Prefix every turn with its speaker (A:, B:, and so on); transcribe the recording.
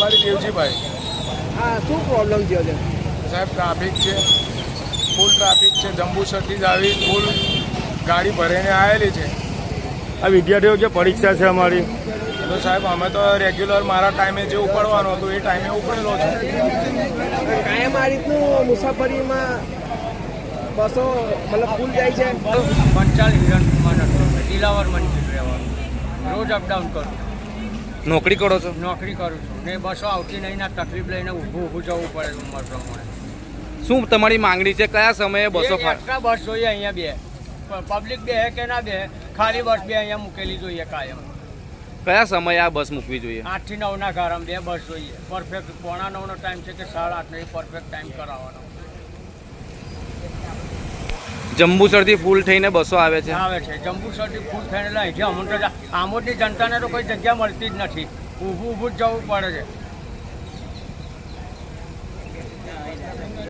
A: રબારી દેવજીભાઈ.
B: હા, શું પ્રોબ્લેમ થયો છે
A: સાહેબ? ટ્રાફિક છે, ફૂલ ટ્રાફિક છે. જંબુસરથી જ આવી ફૂલ ગાડી ભરીને આવેલી છે.
C: આ વિદ્યાર્થીઓ જે પરીક્ષા છે અમારી,
A: તો સાહેબ અમે તો રેગ્યુલર મારા ટાઈમે જે ઉપડવાનું હતું એ ટાઈમે ઉપડેલો છું.
B: કાયમ આ રીતનું મુસાફરીમાં બસો મતલબ ફૂલ જાય છે?
D: પંચાલ હિરણકુમાર દિલાવર મંદિર રહેવાનું, રોજ અપડાઉન કરું.
C: નોકરી કરો છો?
D: નોકરી કરું છું ને બસો આવતી નહીં ના તકલીફ લઈને ઊભું જવું પડે ઉંમર પ્રમાણે.
C: શું તમારી માંગણી છે? કયા સમયે બસો
D: એક્સ્ટ્રા બસ જોઈએ અહીંયા બે, પબ્લિક બે કે ના બે, ખાલી બસ બે અહીંયા મૂકેલી જોઈએ કાયમ.
C: કયા સમયે આ બસ મૂકવી જોઈએ?
D: 8 થી 9 ના ગારામાં બે બસ જોઈએ. પરફેક્ટ 8:45 નો ટાઈમ છે કે 8:30 નો પરફેક્ટ ટાઈમ કરાવવાનો
C: જંબુસરથી ફૂલ થઈને બસો આવે છે?
D: આવે છે. જંબુસરથી ફૂલ થઈને અહીંથી અમુક આમોદની જનતાને તો કોઈ જગ્યા મળતી જ નથી, ઊભું જ જવું પડે છે.